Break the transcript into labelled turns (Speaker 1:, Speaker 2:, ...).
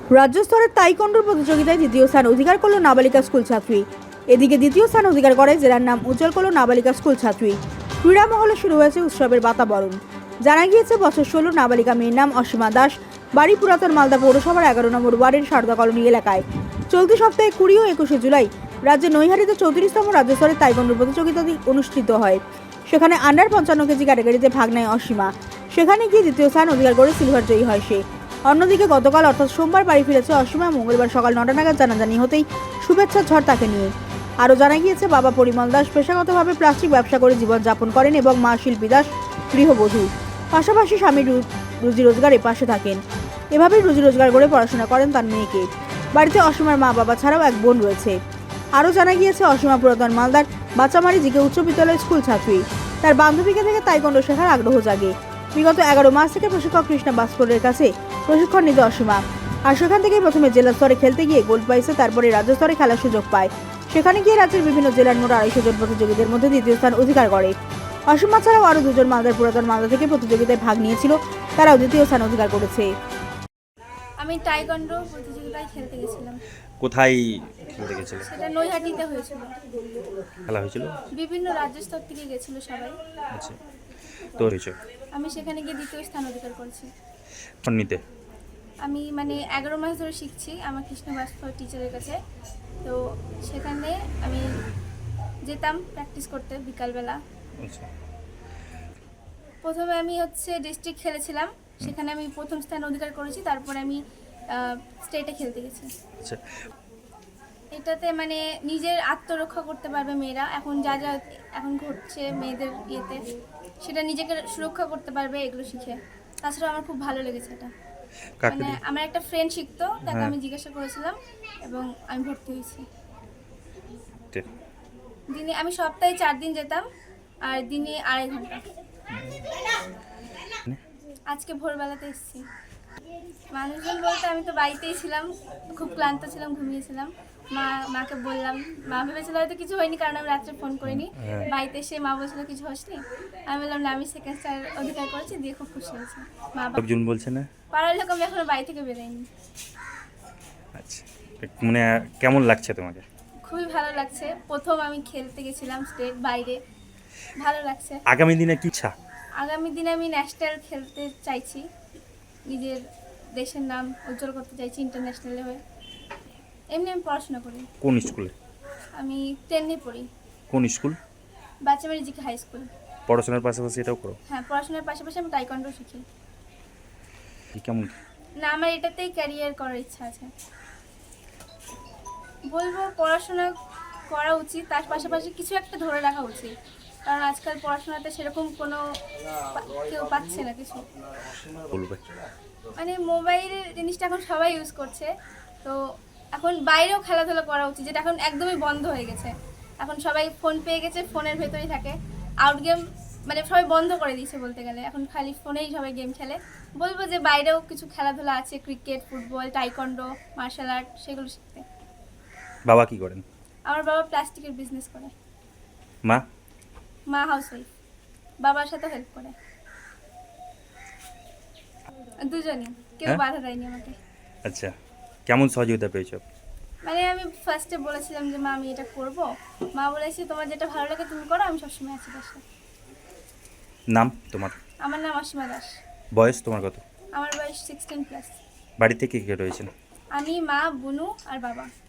Speaker 1: রাজ্য স্তরের তাইকোন্ডোর প্রতিযোগিতায় দ্বিতীয় স্থান অধিকার করল নাবালিকা স্কুল ছাত্রী। এদিকে দ্বিতীয় স্থান অধিকার করে জেলার নাম উজ্জ্বল করল নাবালিকা স্কুল ছাত্রী। ক্রীড়া মহলে শুরু হয়েছে উৎসবের বাতাবরণ। জানা গিয়েছে বছর 16 নাবালিকা মেয়ের নাম অসীমা দাস, বাড়ি পুরাতন মালদা পৌরসভার 11 নম্বর ওয়ার্ডের সারদা কলোনি এলাকায়। চলতি সপ্তাহে 20 ও 21 জুলাই রাজ্যের নৈহাটিতে 34তম রাজ্য স্তরের তাইকোন্ডো প্রতিযোগিতা অনুষ্ঠিত হয়। সেখানে আন্ডার 55 কেজি ক্যাটাগরিতে ভাগ নেয় অসীমা। সেখানে গিয়ে দ্বিতীয় স্থান অধিকার করে সিলভার জয়ী হয় সে। অন্যদিকে গতকাল অর্থাৎ সোমবার বাড়ি ফিরেছে অসীমা। মঙ্গলবার সকাল 9টা নাগাদ জানাজানি হতেই শুভেচ্ছার ঝড় তাকে নিয়ে। আরও জানা গিয়েছে বাবা পরিমল দাস পেশাগতভাবে প্লাস্টিক ব্যবসা করে জীবনযাপন করেন এবং মা শিল্পী দাস গৃহবধূ। পাশাপাশি স্বামীর রুজি রোজগারে পাশে থাকেন। এভাবেই রুজি রোজগার করে পড়াশোনা করেন তার মেয়েকে। বাড়িতে অসীমার মা বাবা ছাড়াও এক বোন রয়েছে। আরও জানা গিয়েছে অসীমা পুরাতন মালদার বাচামারি জিকে উচ্চ বিদ্যালয়ের স্কুল ছাত্রী। তার বান্ধবীকে থেকে তাইকোন্ডো শেখার আগ্রহ জাগে। বিগত 11 মাস থেকে প্রশিক্ষক কৃষ্ণা বাস্করের কাছে প্রশিক্ষণ নিতে অসীমা। আর সেখান থেকেই প্রথমে জেলা স্তরে খেলতে গিয়ে গোল্ড পাইছে, তারপরে রাজ্য স্তরে খেলার সুযোগ পায়। সেখানে গিয়ে রাজ্যের বিভিন্ন জেলার মোট 250 জন প্রতিযোগীদের মধ্যে দ্বিতীয় স্থান অধিকার করে। অসীমা ছাড়াও আরও দুজন মালদার পুরাতন মালদা থেকে প্রতিযোগিতায় ভাগ নিয়েছিল, তারাও দ্বিতীয় স্থান অধিকার করেছে।
Speaker 2: আমি টাইকোন্ডো প্রতিযোগিতায় খেলতে গেছিলাম।
Speaker 3: কোথায় খেলতে গেছিলে?
Speaker 2: সেটা নৈহাটিতে হয়েছিল।
Speaker 3: খেলা হয়েছিল?
Speaker 2: বিভিন্ন রাজ্য স্তর থেকে গেছিল সবাই।
Speaker 3: আচ্ছা, তো হয়েছে
Speaker 2: আমি সেখানে গিয়ে দ্বিতীয় স্থান অধিকার করেছি।
Speaker 3: নিতে
Speaker 2: আমি 11 মাস ধরে শিখছি আমার কৃষ্ণ ভাস্কর টিচারের কাছে। তো সেখানে আমি যেতাম প্র্যাকটিস করতে বিকালবেলা।
Speaker 3: আচ্ছা,
Speaker 2: প্রথমে আমি ডিস্ট্রিক্ট খেলেছিলাম, সেখানে আমি প্রথম স্থান অধিকার করেছি। তারপরে আমি স্টেটে খেলতে গেছি।
Speaker 3: আচ্ছা,
Speaker 2: এটাতে নিজের আত্মরক্ষা করতে পারবে মেয়েরা। এখন যা যা এখন ঘটছে মেয়েদের ইয়েতে, সেটা নিজেকে সুরক্ষা করতে পারবে এগুলো শিখে। তাছাড়া আমার খুব ভালো লেগেছে এটা। আমার একটা ফ্রেন্ড শিখতো, তাকে আমি জিজ্ঞাসা করেছিলাম এবং আমি ভর্তি হয়েছি। দিনে আমি সপ্তাহে 4 দিন যেতাম, আর দিনে 2.5 ঘন্টা। আজকে ভোরবেলাতে এসেছি। মানুষজন বলতে আমি তো বাড়িতেই ছিলাম, খুব ক্লান্ত ছিলাম, ঘুমিয়েছিলাম। মাকে বললাম, মা ভেবেছিল হয়তো কিছু হয়নি, কারণ আমি রাত্রে ফোন করিনি। বাড়িতে এসে মা বলছিল কিছু হসনি। আমি বললাম না, আমি সেকেন্ড স্টার অধিকার করেছি, দিয়ে খুব খুশি হয়েছে। মা
Speaker 3: লোকজন বলছে না?
Speaker 2: পাড়ার লোক, আমি এখনো বাড়ি থেকে বেরোয়নি।
Speaker 3: আচ্ছা, কেমন লাগছে তোমাকে?
Speaker 2: খুবই ভালো লাগছে। প্রথম আমি খেলতে গেছিলাম স্টেট বাইরে, ভালো লাগছে।
Speaker 3: আগামী দিনে কি ইচ্ছা?
Speaker 2: আগামী দিনে আমি ন্যাশনাল খেলতে চাইছি, নিজের দেশের নাম উজ্জ্বল করতে চাইছি ইন্টারন্যাশনালে হয়ে। এমনি আমি পড়াশোনা করি।
Speaker 3: কোন স্কুলে?
Speaker 2: আমি 10-এ পড়ি।
Speaker 3: কোন school?
Speaker 2: Bachamari GK high school.
Speaker 3: পড়াশোনার পাশাপাশি এটাও করো?
Speaker 2: হ্যাঁ, পড়াশোনার পাশাপাশি আমি টাইকোন্ডো শিখি।
Speaker 3: কেমন?
Speaker 2: না, আমার এটাতেই ক্যারিয়ার করার ইচ্ছা আছে। বলবো পড়াশোনা করা উচিত, তার পাশাপাশি কিছু একটা ধরে রাখা উচিত। কারণ আজকাল পড়াশোনাতে সেরকম কোনো কেউ পাচ্ছে না কিছু।
Speaker 3: বলবে
Speaker 2: মোবাইলের জিনিসটা এখন সবাই ইউজ করছে, তো এখন বাইরেও খেলাধুলা করা উচিত, যেটা এখন একদমই বন্ধ হয়ে গেছে। এখন সবাই ফোন পেয়ে গেছে, ফোনের ভেতরেই থাকে। আউট গেম সবাই বন্ধ করে দিয়েছে বলতে গেলে, এখন খালি ফোনেই সবাই গেম খেলে। বলবো যে বাইরেও কিছু খেলাধুলা আছে, cricket, football, taekwondo, martial art, সেগুলো শিখতে।
Speaker 3: বাবা কি করেন?
Speaker 2: আমার বাবা প্লাস্টিকের বিজনেস করে।
Speaker 3: মা
Speaker 2: হাউসওয়াইফ, বাবার সাথে হেল্প করে। দুজনই, কেউ বাধা দেয়নি আমাকে।
Speaker 3: আচ্ছা, কেমন সহযোগিতা পেয়েছো?
Speaker 2: আমি ফার্স্টে বলেছিলাম যে মা আমি এটা করবো, মা বলেছে তোমার যেটা ভালো লাগে তুমি করো, আমি সবসময় আছি পাশে।
Speaker 3: নাম তোমার?
Speaker 2: আমার নাম অসীমা দাস।
Speaker 3: বয়স তোমার কত?
Speaker 2: আমার বয়স 16+।
Speaker 3: বাড়িতে কে কে রয়েছেন?
Speaker 2: আমি, মা, বুনু আর বাবা।